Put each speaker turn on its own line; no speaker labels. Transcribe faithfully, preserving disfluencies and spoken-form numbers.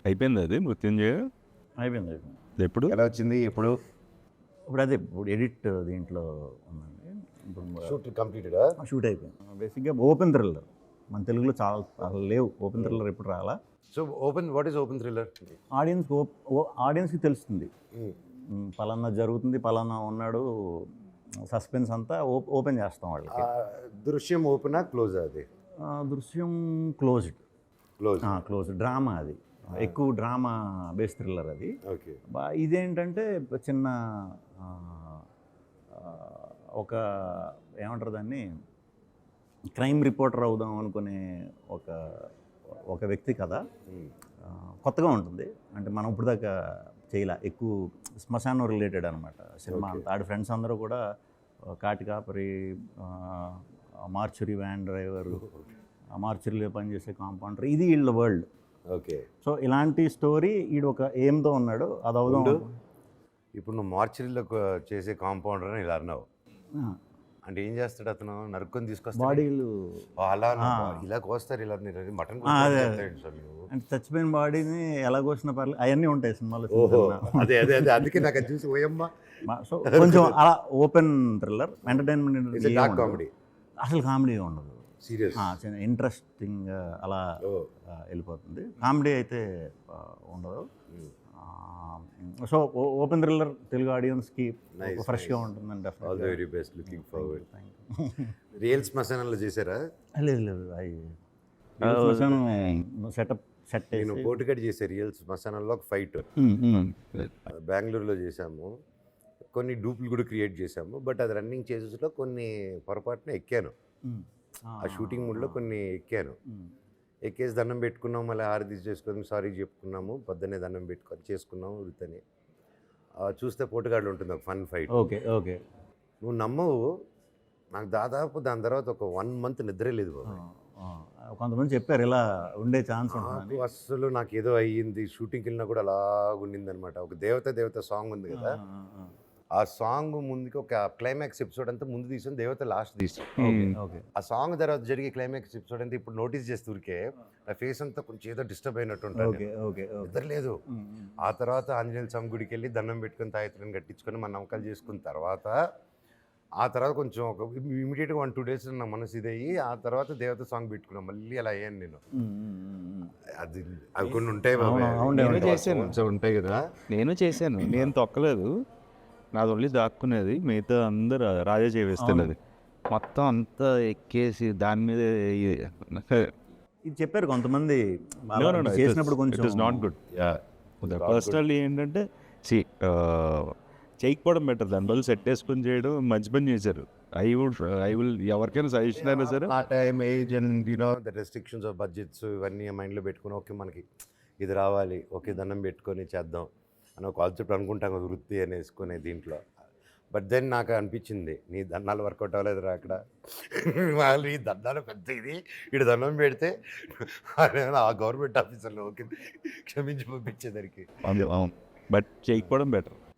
అయిపోయింది అది మృత్యుంజయ
అయిపోయింది అయిపోయింది
ఎప్పుడు
ఎలా వచ్చింది ఇప్పుడు
ఇప్పుడు అదే ఇప్పుడు ఎడిట్ దీంట్లో ఉందండి ఇప్పుడు
షూట్ కంప్లీటెడ్
షూట్ అయిపోయింది. బేసిక్గా ఓపెన్ థ్రిల్లర్ మన తెలుగులో చాలా చాలా లేవు ఓపెన్ థ్రిల్లర్ ఎప్పుడు రాలా.
So open what is open thriller?
ఆడియన్స్కి ఆడియన్స్కి తెలుస్తుంది ఉమ్, పలానా జరుగుతుంది, పలానా ఉన్నాడు, సస్పెన్స్ అంతా ఓ- ఓపెన్ చేస్తాం వాళ్ళకి.
దృశ్యం ఓపెనా క్లోజ్ అది?
ఆ, దృశ్యం క్లోజ్డ్
క్లోజ్.
క్లోజ్ డ్రామా అది, ఎక్కువ డ్రామా బేస్ థ్రిల్లర్ అది.
ఓకే.
బా- ఇదేంటంటే చిన్న ఆ, ఆ, ఒక ఏమంటారు దాన్ని, క్రైమ్ రిపోర్టర్ అవుదాం అనుకునే ఒక ఒక వ్యక్తి కథ. ఆ, కొత్తగా ఉంటుంది, అంటే మనం ఇప్పుడు దాకా చేయలే, ఎక్కువ శ్మశానం రిలేటెడ్ అనమాట సినిమా అంతా. ఆడి ఫ్రెండ్స్ అందరూ కూడా కాటి కాపరి, మార్చురీ వ్యాన్ డ్రైవరు, మార్చురీలో పనిచేసే కాంపౌండర్, ఇది వీళ్ళ వరల్డ్.
ఓకే.
సో ఇలాంటి స్టోరీ ఈడు ఒక ఎయిమ్తో ఉన్నాడు, అది అవుదాం.
ఇప్పుడు నువ్వు మార్చరీలో చేసే కాంపౌండర్ అని ఇలా అన్నావు,
ఆ,
అంటే ఏం చేస్తాడు అతను? నరుక్కొని తీసుకొస్తాడు
బాడీలు
అలా ఇలా కోస్తారు, ఇలా మటన్
ఆ, అదే, అదే. అంటే చచ్చిపోయిన బాడీని ఎలా కోసినా పర్లేదు, అవన్నీ ఉంటాయి సినిమాలో.
ఓహో, అదే అదే అదే అందుకే నాకు అది చూసి ఓయమ్మ.
సో కొంచెం అలా open thriller entertainment,
dark comedy,
అసలు కామెడీ ఉండదు,
సీరియస్
ఇంట్రెస్టింగ్ అలా ఆ, వెళ్ళిపోతుంది. కామెడీ అయితే ఆ, ఉండదు. సో ఓపెన్ థ్రిల్లర్ తెలుగు ఆడియన్స్కి ఫ్రెష్గా ఉంటుందండి.
All the very best, looking forward. Real శ్మశానంలో చేశారా?
లేదు లేదు, అవి సెటప్ సెట్
నేను పోటుకట్ చేసే రియల్ శ్మశానంలో ఒక ఫైట్ బెంగళూరులో చేశాము. కొన్ని డూప్లు కూడా క్రియేట్ చేశాము, బట్ అది రన్నింగ్ చేసేలో కొన్ని పొరపాటున ఎక్కాను. ఆ షూటింగ్ మూడ్లో కొన్ని ఎక్కాను, ఎక్కేసి దండం పెట్టుకున్నాము, మళ్ళీ హారతి చేసుకొని సారీ చెప్పుకున్నాము, పొద్దున్నే దండం పెట్టుకొని చేసుకున్నాము వృత్తని. చూస్తే పోటుగాడులు ఉంటుంది ఒక ఫన్ ఫైట్.
Okay okay.
నువ్వు నమ్మవు, నాకు దాదాపు దాని తర్వాత ఒక వన్ మంత్ నిద్రే లేదు బాబు.
కొంతమంది చెప్పారు ఇలా ఉండే ఛాన్స్ ఉంటుంది.
నాకు అస్సలు నాకు ఏదో అయ్యింది, షూటింగ్కి వెళ్ళినా కూడా అలా ఉండింది అనమాట. ఒక దేవత దేవత సాంగ్ ఉంది కదా, ఆ సాంగ్ ముందుకి ఒక క్లైమాక్స్ ఎపిసోడ్ అంతా ముందు తీసాను, దేవత లాస్ట్ తీసాను. ఆ సాంగ్ తర్వాత జరిగే క్లైమాక్స్ ఎపిసోడ్ అంతా ఇప్పుడు నోటీస్ చేస్తే ఊరికే నా ఫేస్ అంతా కొంచెం ఏదో డిస్టర్బ్ అయినట్టు ఉంటుంది, నిద్ర లేదు. ఆ తర్వాత ఆంజనేయ స్వామి గుడికి వెళ్ళి దండం పెట్టుకుని తాయత్తులను కట్టించుకొని మన నమ్మకాలు చేసుకున్న తర్వాత ఆ తర్వాత కొంచెం ఒక ఇమీడియట్గా వన్ టూ డేస్ నా మనసు ఇదయ్యి ఆ తర్వాత దేవత సాంగ్ పెట్టుకున్నాను, మళ్ళీ అలా అయ్యాను నేను. అది అవి కొన్ని ఉంటాయి బాబు.
నేను చేశాను, ఉంటాయి కదా, నేను చేశాను, నేను తొక్కలేదు, నాది ఓన్లీ దాక్కునేది, మిగతా అందరు రాజా చేవేస్తున్నది మొత్తం అంతా ఎక్కేసి దాని మీద.
ఇది చెప్పారు కొంతమంది చేసినప్పుడు కొంచెం
it is not good. Personally ఏంటంటే సి చేయకపోవడం బెటర్, దాని బదులు సెట్ వేసుకొని చేయడం మంచి పని చేశారు. ఐ వుడ్ ఐ విల్ ఎవరికైనా సజెషన్ అయినా సరే,
ఆ time age and you know the restrictions of budgets ఇవన్నీ మైండ్లో పెట్టుకుని ఓకే మనకి ఇది రావాలి, ఓకే దండం పెట్టుకొని చేద్దాం అని ఒక కాన్సెప్ట్ అనుకుంటాం కదా వృత్తి అని వేసుకునే దీంట్లో. బట్ దెన్ నాకు అనిపించింది నీ దండాలు వర్కౌట్ అవ్వలేదు రా అక్కడ, వాళ్ళు ఈ దండాలు పెద్ద ఇది ఇటు దండం పెడితే ఆ గవర్నమెంట్ ఆఫీసర్లో ఓకే క్షమించి పంపించేదానికి.
బట్ చేయకపోవడం బెటర్.